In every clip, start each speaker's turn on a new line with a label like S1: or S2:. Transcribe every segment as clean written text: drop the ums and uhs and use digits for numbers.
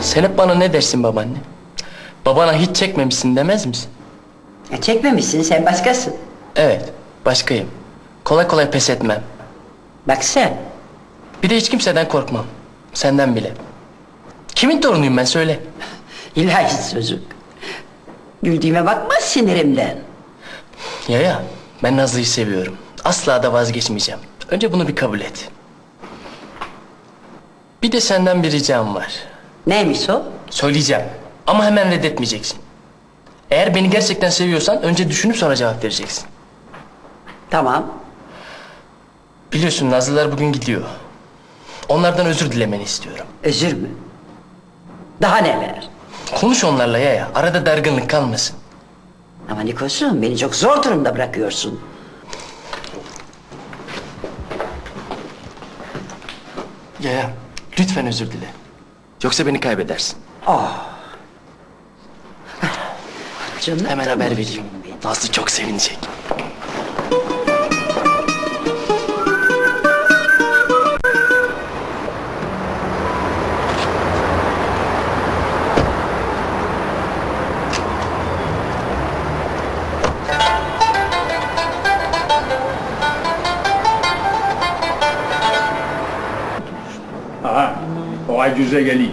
S1: Sen hep bana ne dersin babaanne? Babana hiç çekmemişsin demez misin?
S2: Çekmemişsin, sen başkasın.
S1: Evet, başkayım. Kolay kolay pes etmem.
S2: Bak sen.
S1: Bir de hiç kimseden korkmam. Senden bile. Kimin torunuyum ben söyle.
S2: İlahi çocuk. Güldüğüme bakma sinirimden.
S1: Ya, ben Nazlı'yı seviyorum. Asla da vazgeçmeyeceğim. Önce bunu bir kabul et. Bir de senden bir ricam var.
S2: Neymiş o?
S1: Söyleyeceğim ama hemen reddetmeyeceksin. Eğer beni gerçekten seviyorsan önce düşünüp sonra cevap vereceksin.
S2: Tamam.
S1: Biliyorsun Nazlılar bugün gidiyor. Onlardan özür dilemeni istiyorum.
S2: Özür mü? Daha neler?
S1: Konuş onlarla ya. Arada dargınlık kalmasın.
S2: Ama Nikosu'm, beni çok zor durumda bırakıyorsun.
S1: Ya, lütfen özür dile. Yoksa beni kaybedersin.
S2: Canım.
S1: Hemen haber vereyim. Nazlı çok sevinecek.
S3: Aha, o acuze geliyor.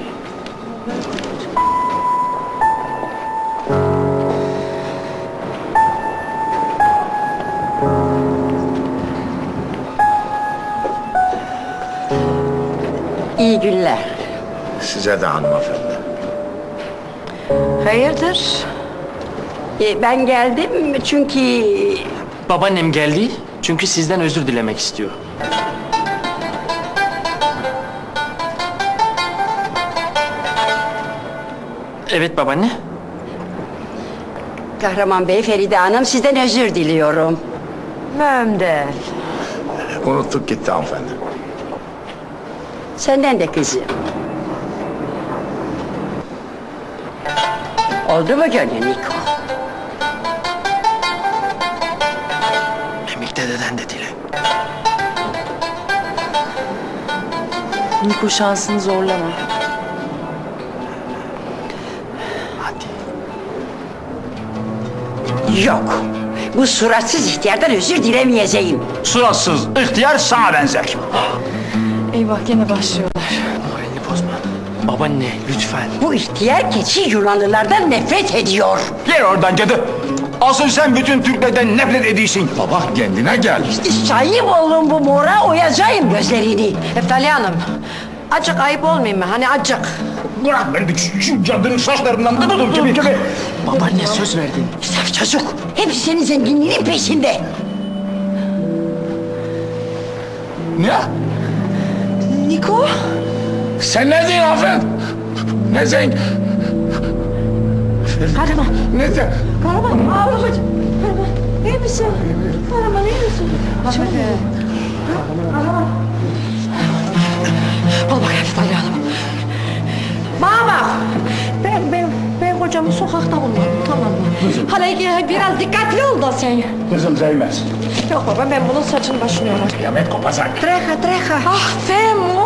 S2: İyi günler.
S4: Size de hanımefendi.
S2: Hayırdır? Ben geldim çünkü...
S1: Babaannem geldi çünkü sizden özür dilemek istiyor. Evet babaanne.
S2: Kahraman Bey, Feride Hanım, sizden özür diliyorum. Mühim değil.
S4: Unuttuk gitti hanımefendi.
S2: Senden de kızım. Oldu mu gönlün Niko?
S1: Emik dededen de dile.
S5: Niko şansını zorlama.
S1: Hadi.
S2: Yok. Bu suratsız ihtiyardan özür dilemeyeceğim.
S3: Suratsız ihtiyar sana benzer.
S5: Eyvah gene başlıyorlar.
S1: Moralini bozma. Babaanne lütfen.
S2: Bu ihtiyar keçi Yunanlılardan nefret ediyor.
S3: Gel oradan cadı. Asıl sen bütün Türklerden nefret ediyorsun.
S4: Baba kendine gel.
S2: Sahip olun bu mora, oyacağım gözlerini.
S6: Eftali Hanım, acık ayıp olmayayım mı? Hani acık.
S3: Bırak beni şu cadının saçlarından tutuldum gibi.
S1: Babaanne söz verdin.
S2: Saf çocuk, hepsi senin zenginliğinin peşinde.
S4: Ne?
S5: Niko?
S4: Sen ne diyorsun hanımefendi? Ne sen?
S5: Kahraman,
S4: Ne sen?
S5: Kahraman, babacığım. Kahraman, iyi misin? Kahraman, iyi misin? Kahraman.
S6: Bana bak Eftali Hanım. Bana bak. Ben kocamı sokakta bulmadım, tamam mı? Hani biraz dikkatli ol da sen.
S3: Kızım Zeymez.
S6: Yok baba, ben bunun saçını başını yolarım.
S3: Kıyamet kopacak.
S6: Treha. Ah Femo.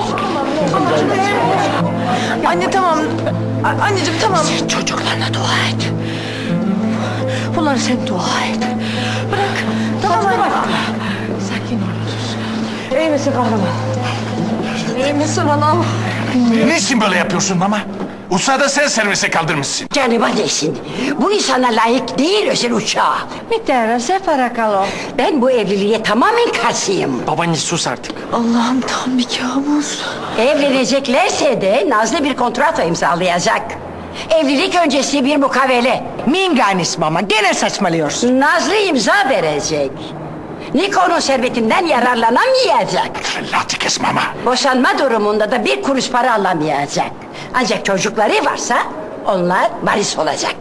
S5: Anne tamam. Anneciğim tamam.
S6: Sen çocuklarına dua et. Bunları sen dua et. Bırak. Tamam anne. Sakin ol. İyi misin kahraman? İyi misin anam?
S7: Niçin böyle yapıyorsun ama? Uçağı sen servise kaldırmışsın.
S2: Canıma değsin. Bu insana layık değil özel uçağa.
S6: Mitera separakalo.
S2: Ben bu evliliğe tamamen karşıyım.
S1: Babaanne sus artık.
S5: Allah'ım tam bir kabus.
S2: Evleneceklerse de Nazlı bir kontrato imzalayacak. Evlilik öncesi bir mukavele.
S6: Minganis mama, gene saçmalıyorsun.
S2: Nazlı imza verecek. Niko'nun servetinden yararlanamayacak.
S7: Fellati kes mama.
S2: Boşanma durumunda da bir kuruş para alamayacak. Ancak çocukları varsa onlar varis olacak.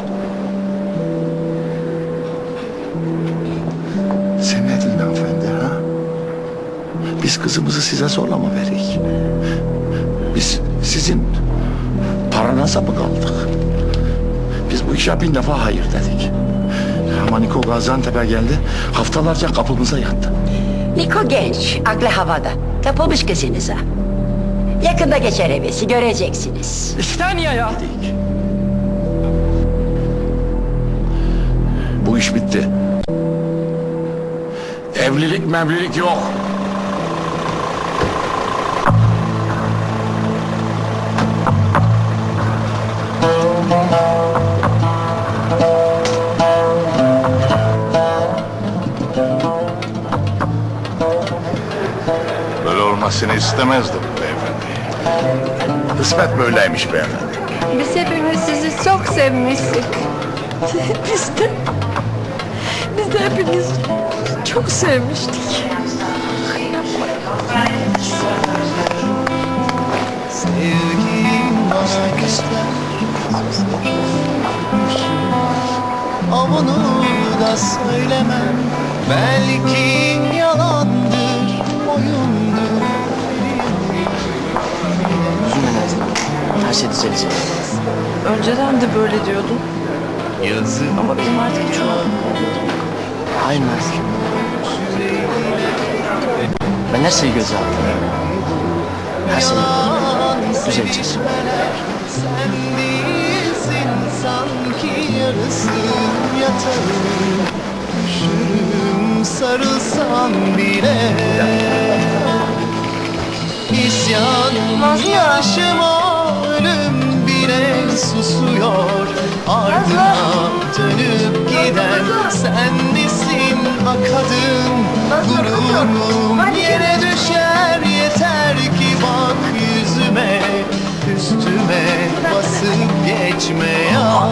S4: Sen ne diyorsun hanımefendi ha? Biz kızımızı size zorla mı verik? Biz sizin paranıza mı kaldık? Biz bu işe bin defa hayır dedik. Ama Niko Gaziantep'e geldi, haftalarca kapımıza yattı.
S2: Niko genç, aklı havada. Kapılmış kızınıza. Yakında geçer hevesi, göreceksiniz.
S1: 2 saniye ya.
S4: Bu iş bitti. Evlilik mevlilik yok.
S7: Böyle olmasını istemezdim beyefendi.
S4: Kısmet böyleymiş beyefendi.
S5: Biz hepimiz sizi çok sevmiştik.
S6: Biz de hepimiz çok sevmiştik.
S8: Sevgim bana göster. Onu da söylemem. Belki yalandır, oyundur.
S1: Üzülme Nazlı. Her şey düzelecek.
S6: Önceden de böyle diyordun.
S8: Yazık
S6: Ama benim artık hiç
S1: Hayır Nazlı. Ben her şeyi göze aldım. Her şeyi düzeleceğiz.
S8: sen değilsin sanki yarısı yatarım. Üşürüm sarılsam bile. İsyan yaşıma ölüm bile susuyor. Ardına dönüp giden sen misin akadın? Gururum yere düşer yeter ki bak yüzüme. Üstüme basıp geçme ya.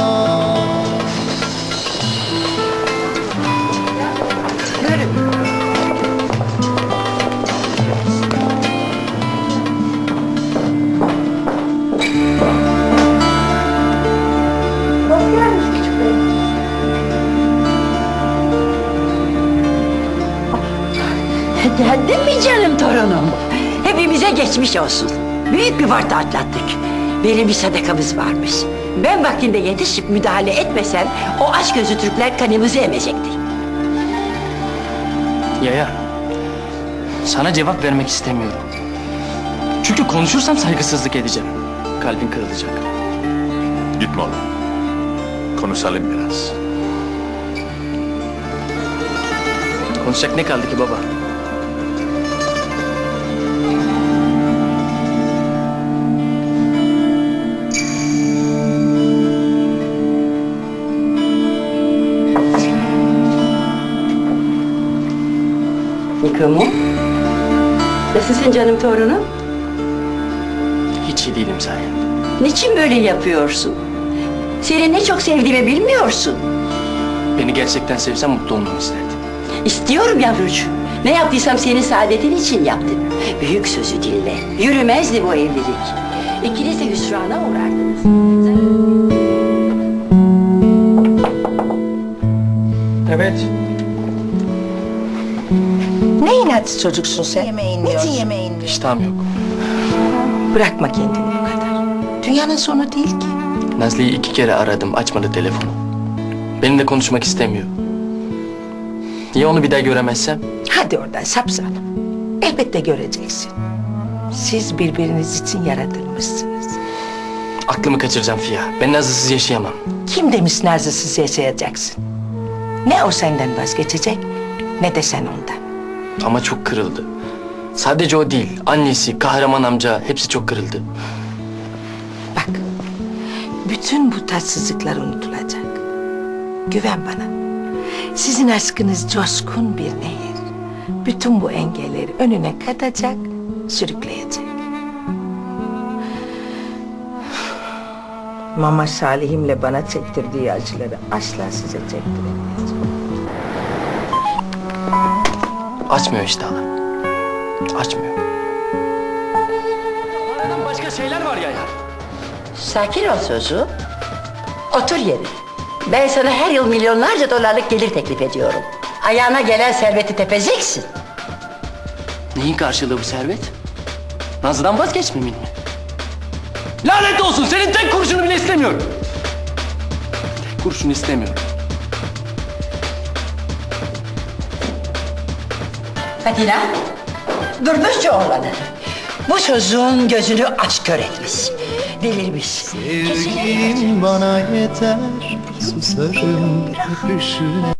S2: Geldin mi canım torunum? Hepimize geçmiş olsun. Büyük bir varta atlattık. Benim bir sadakamız varmış. Ben vaktinde yetişip müdahale etmesem o aç gözlü Türkler kanımızı emecektir.
S1: Yaya. Sana cevap vermek istemiyorum. Çünkü konuşursam saygısızlık edeceğim. Kalbin kırılacak.
S7: Gitme oğlum. Konuşalım biraz.
S1: Konuşacak ne kaldı ki baba?
S2: Nikomu? Nasılsın canım torunum?
S1: Hiç iyi değilim sayende.
S2: Niçin böyle yapıyorsun? Seni ne çok sevdiğimi bilmiyorsun.
S1: Beni gerçekten sevsen mutlu olmamı isterdin.
S2: İstiyorum yavrucuğum. Ne yaptıysam senin saadetin için yaptım. Büyük sözü dinle. Yürümezdi bu evlilik. İkiniz de hüsrana uğrardınız.
S1: Evet.
S9: Ne inatçı çocuksun sen? Niçin yemeğin yiyor?
S1: İştahım yok.
S9: Bırakma kendini bu kadar. Dünyanın sonu değil ki.
S1: Nazlı'yı 2 kere aradım, açmadı telefonu. Benimle konuşmak istemiyor. Ya onu bir daha göremezsem?
S9: Hadi oradan sapsana. Elbette göreceksin. Siz birbiriniz için yaratılmışsınız.
S1: Aklımı kaçıracağım Fiya. Ben Nazlı'sız yaşayamam.
S9: Kim demiş Nazlı'sız yaşayacaksın? Ne o senden vazgeçecek ne de sen ondan.
S1: Ama çok kırıldı. Sadece o değil, annesi, kahraman amca hepsi çok kırıldı.
S9: Bak, bütün bu tatsızlıklar unutulacak. Güven bana. Sizin aşkınız coşkun bir nehir. Bütün bu engelleri önüne katacak, sürükleyecek. Mama Salih'imle bana çektirdiği acıları asla size çektiremeyecek.
S1: Açmıyor işte hala. Açmıyor. Aradan başka şeyler var ya.
S2: Sakin ol Suzu. Otur yerine. Ben sana her yıl milyonlarca dolarlık gelir teklif ediyorum. Ayağına gelen serveti tepeceksin.
S1: Neyin karşılığı bu servet? Nazlı'dan vazgeçmemin mi? Lanet olsun, senin tek kuruşunu bile istemiyorum. Tek kuruşunu istemiyorum.
S2: Katina, durdur şu oğlanı. Bu çocuğun gözünü aç kör etmiş. Delirmiş.
S8: Sevgin bana yeter, susarım öpüşüne.